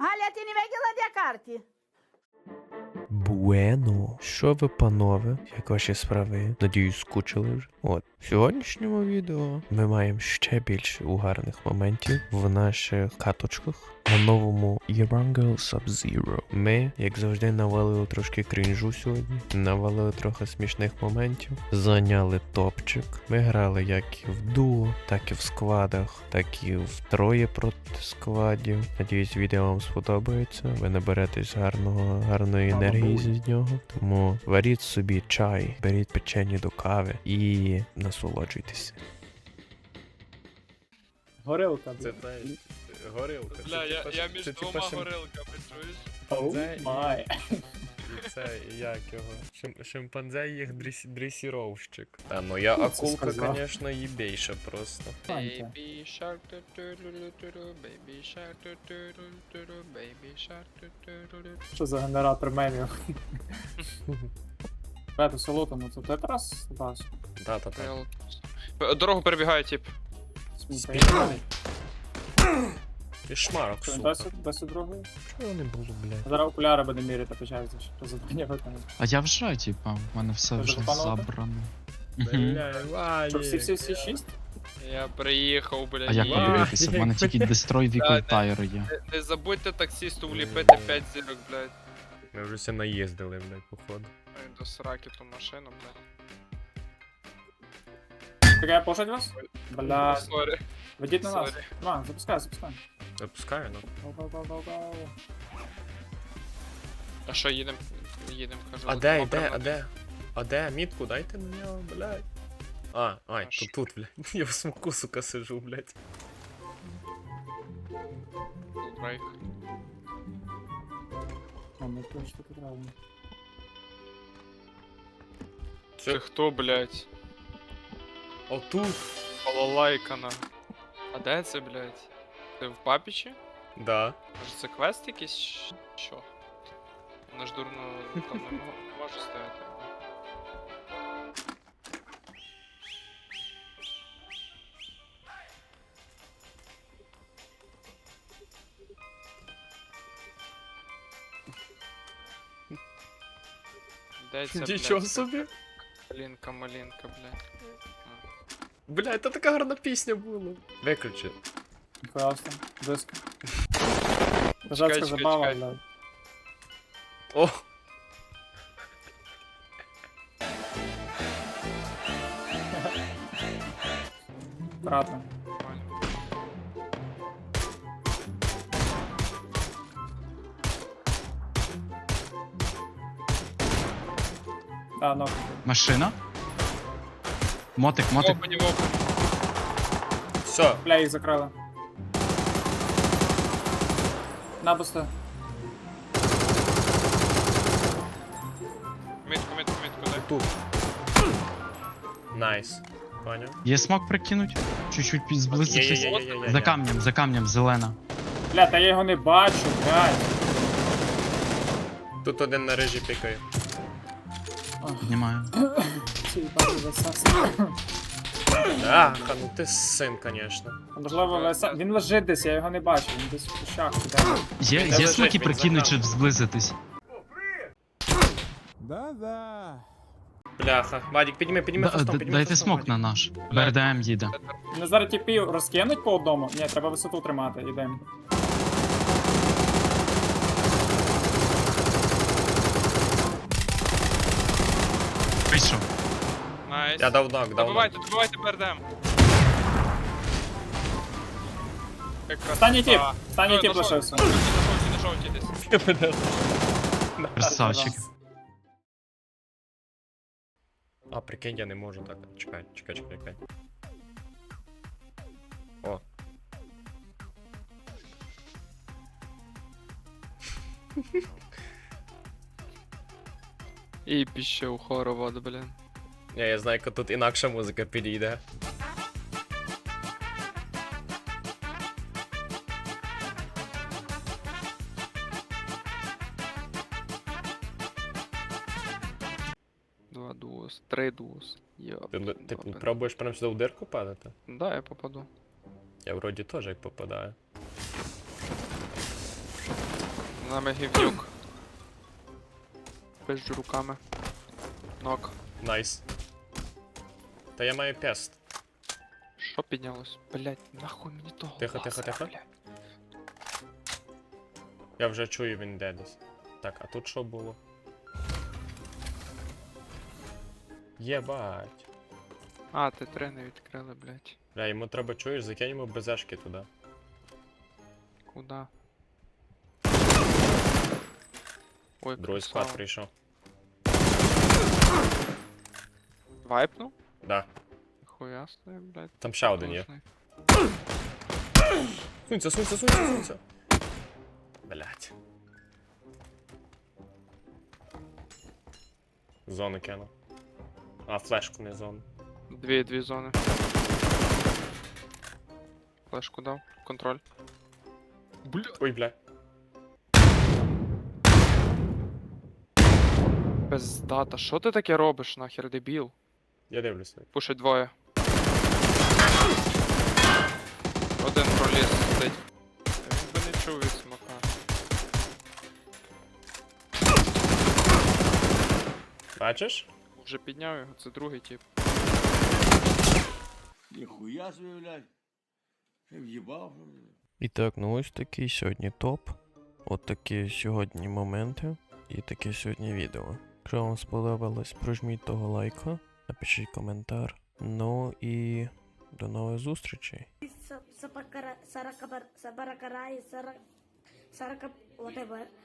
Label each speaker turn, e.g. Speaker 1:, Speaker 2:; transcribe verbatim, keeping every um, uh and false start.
Speaker 1: Галя, ти не виділа, де карті?
Speaker 2: Буено. Що ви, панове? Як ваші справи? Надіюсь, скучили вже. От, в сьогоднішньому відео ми маємо ще більше угарних моментів в наших каточках на новому Erangel Sub-Zero. Ми, як завжди, навалили трошки крінжу сьогодні, навалили трохи смішних моментів, зайняли топчик. Ми грали як і в дуо, так і в складах, так і в троє проти складів. Надіюсь, відео вам сподобається. Ви наберетесь гарного, гарної енергії з нього. Тому варіть собі чай, беріть печені до кави і насолоджуйтесь.
Speaker 3: Горилка,
Speaker 4: Це
Speaker 3: блядь.
Speaker 4: та горилка.
Speaker 5: Бля,
Speaker 4: Це,
Speaker 5: я,
Speaker 4: типа,
Speaker 5: я
Speaker 4: це,
Speaker 5: між
Speaker 4: типа,
Speaker 5: двома
Speaker 4: шим-
Speaker 5: горилками, чуєш?
Speaker 3: Оу
Speaker 4: це і-
Speaker 3: май.
Speaker 4: І це, як його? Шим, шимпанзе їх дресі, дресіровщик. Та, ну я
Speaker 3: Хто це
Speaker 4: акулка,
Speaker 3: сказав?
Speaker 4: звісно, їбейша просто.
Speaker 3: Фанька.
Speaker 5: Baby shark ту-ту-ру-ру-ту-ру, baby shark ту-ту-ру-ру-ту-ру, baby shark ту-ту-ру-ру.
Speaker 3: Що за генератор мемів? Пету село ну це ти якраз бачиш.
Speaker 4: Та-та-та.
Speaker 5: Е, Дорогу перебігає, тип.
Speaker 3: Сміхаєш.
Speaker 4: Кошмарок,
Speaker 3: Що,
Speaker 4: сука.
Speaker 3: досі, досі другої?
Speaker 4: Чого не було, блядь?
Speaker 3: Зараз окуляри буде міряти, почається, що завдання виконати.
Speaker 6: А я вже, типа, в мене все
Speaker 3: Ти
Speaker 6: вже
Speaker 3: вже запанувати?
Speaker 6: забрано.
Speaker 4: Бля,
Speaker 3: Що, всі, всі,
Speaker 4: Ваня.
Speaker 3: всі шість?
Speaker 5: Я приїхав, бля.
Speaker 6: А як
Speaker 5: є.
Speaker 6: подивитися? В мене тільки Destroy Vehicle
Speaker 5: Да,
Speaker 6: Tire є.
Speaker 5: Не- Не забудьте таксисту вліпити п'ять зірок, блядь.
Speaker 4: Ми вже все наїздили, блядь, походу.
Speaker 5: Ой, до сраки ту машину, блядь.
Speaker 3: Так я пошать вас? Бля,
Speaker 5: Сорі,
Speaker 3: ведіть на нас.
Speaker 5: сорі.
Speaker 3: На, запускай, запускай.
Speaker 4: Запускаю, ну.
Speaker 3: Гоу-гоу-гоу-гоу-гоу.
Speaker 5: А що, їдем? Їдем, кажу.
Speaker 4: А
Speaker 5: от
Speaker 4: де,
Speaker 5: воно
Speaker 4: де,
Speaker 5: прямо
Speaker 4: а де? А де? Мітку дайте на нього, блядь. А, ай,
Speaker 5: Аж.
Speaker 4: тут, тут, блядь. Я в смоку, сука, сижу, блядь.
Speaker 5: тут брейк.
Speaker 3: А, ну точно таки правильно.
Speaker 5: Це хто, блядь?
Speaker 4: Отут.
Speaker 5: Балалайкана. А де це, блядь? Це в папічі?
Speaker 4: Да.
Speaker 5: Може це квест якийсь? чи Що? Вона ж дурно там не, мо- не може стояти. Де це,
Speaker 4: Нічого
Speaker 5: блядь?
Speaker 4: собі.
Speaker 5: Малинка, малинка, блядь.
Speaker 4: Блядь, та така гарна пісня була. Виключи.
Speaker 3: Ніхуя там, диско.
Speaker 5: Чекай,
Speaker 3: Козацька
Speaker 5: чекай,
Speaker 3: забава,
Speaker 5: чекай.
Speaker 3: блядь.
Speaker 4: О!
Speaker 3: Аккуратно.
Speaker 5: Нормально.
Speaker 3: Да, ну.
Speaker 6: Машина? Мотик, мотик.
Speaker 5: Опа, не опа.
Speaker 4: Все.
Speaker 3: Бля, їх закрили. На, бусти.
Speaker 5: Мітку, мітку, мітку, дай.
Speaker 4: Тут. Найс. Поняв?
Speaker 6: Є смок прикинуть? Чуть-чуть під- зблизившись.
Speaker 4: Є-є-є-є-є-є.
Speaker 6: За камнем, за камнем, зелена.
Speaker 3: Бля, та я його не бачу, блядь.
Speaker 4: Тут один на режі пікає.
Speaker 6: Піднімаю.
Speaker 3: Ці їбані весаси.
Speaker 4: Аха, ну ти син, конечно.
Speaker 3: Можливо, веса... Він лежить десь, я його не бачу, він десь в кущах. іде.
Speaker 6: Є,
Speaker 4: Де
Speaker 6: є
Speaker 4: лежить,
Speaker 6: смоки
Speaker 4: він
Speaker 6: прикинуть,
Speaker 4: за
Speaker 6: щоб зблизитись.
Speaker 4: Бляха. Вадік, підніми, підніми
Speaker 6: Да,
Speaker 4: фастом,
Speaker 6: д-
Speaker 4: підніми
Speaker 6: Дайте
Speaker 4: фастом,
Speaker 6: смок
Speaker 4: Вадік.
Speaker 6: на наш. БРДМ їде.
Speaker 3: Вони зараз тіпів розкинуть по одному. Ні, треба висоту тримати, ідемо.
Speaker 6: Вийшов.
Speaker 5: Найс.
Speaker 4: Я дав нок, дав нок.
Speaker 5: Добивайте, добивайте БРДМ. Якраз.
Speaker 3: Останній тіп,
Speaker 5: А,
Speaker 3: останній
Speaker 5: ну,
Speaker 3: тіп
Speaker 5: на жовтій,
Speaker 3: лишився.
Speaker 5: на жовтій, на жовтій десь.
Speaker 6: Красавчик.
Speaker 4: А, прикинь, я не можу так. Чекай, чекай, чекай, чекай. О.
Speaker 5: І піще у хоровод, блін.
Speaker 4: Я, я знаю, як тут інакша музика підійде.
Speaker 5: Два дуос, три дуос. Йоп.
Speaker 4: Ти, ти
Speaker 5: Добре.
Speaker 4: пробуєш прямо сюди в дирку падати?
Speaker 5: Да, я попаду.
Speaker 4: Я вроді теж як попадаю.
Speaker 5: нами гівнюк. Пизджу руками. Нок.
Speaker 4: Найс. Та я маю пест.
Speaker 5: Що піднялось? Блять, нахуй мені того.
Speaker 4: Тихо, тихо,
Speaker 5: лазера,
Speaker 4: тихо.
Speaker 5: блядь.
Speaker 4: Я вже чую, він де десь. Так, а тут що було? Єбать.
Speaker 5: А, ти три не відкрили, блять.
Speaker 4: Бля, йому треба, чуєш, закинемо безешки туди.
Speaker 5: Куда? Ой,
Speaker 4: Другий
Speaker 5: красава.
Speaker 4: склад прийшов.
Speaker 5: Вайпнув?
Speaker 4: Да.
Speaker 5: Хуя собі, блять.
Speaker 4: Там ще один є.
Speaker 5: Потужний.
Speaker 4: Сунься, сунься, сунься, сунься. Блять. Зону кину. А, флешку не зону.
Speaker 5: Дві, дві зони. Флешку дав. Контроль. Бля.
Speaker 4: Ой, бля.
Speaker 5: Пиздата, що ти таке робиш, нахер, дебіл?
Speaker 4: Я дивлюся.
Speaker 5: Пушить двоє. Один проліз сидить. Він би не чув від смока.
Speaker 4: Бачиш?
Speaker 5: Вже підняв його, це другий тип.
Speaker 7: Ніхуя собі, блядь. Ти в'їбав, що ли?
Speaker 2: І так, ну ось такий сьогодні топ. От такі сьогодні моменти і таке сьогодні відео. Якщо вам сподобалось, прожміть того лайка, напишіть коментар. Ну і до нових зустрічей.
Speaker 1: Сапакара, саракабар, сабаракарай, сара, сарака, whatever.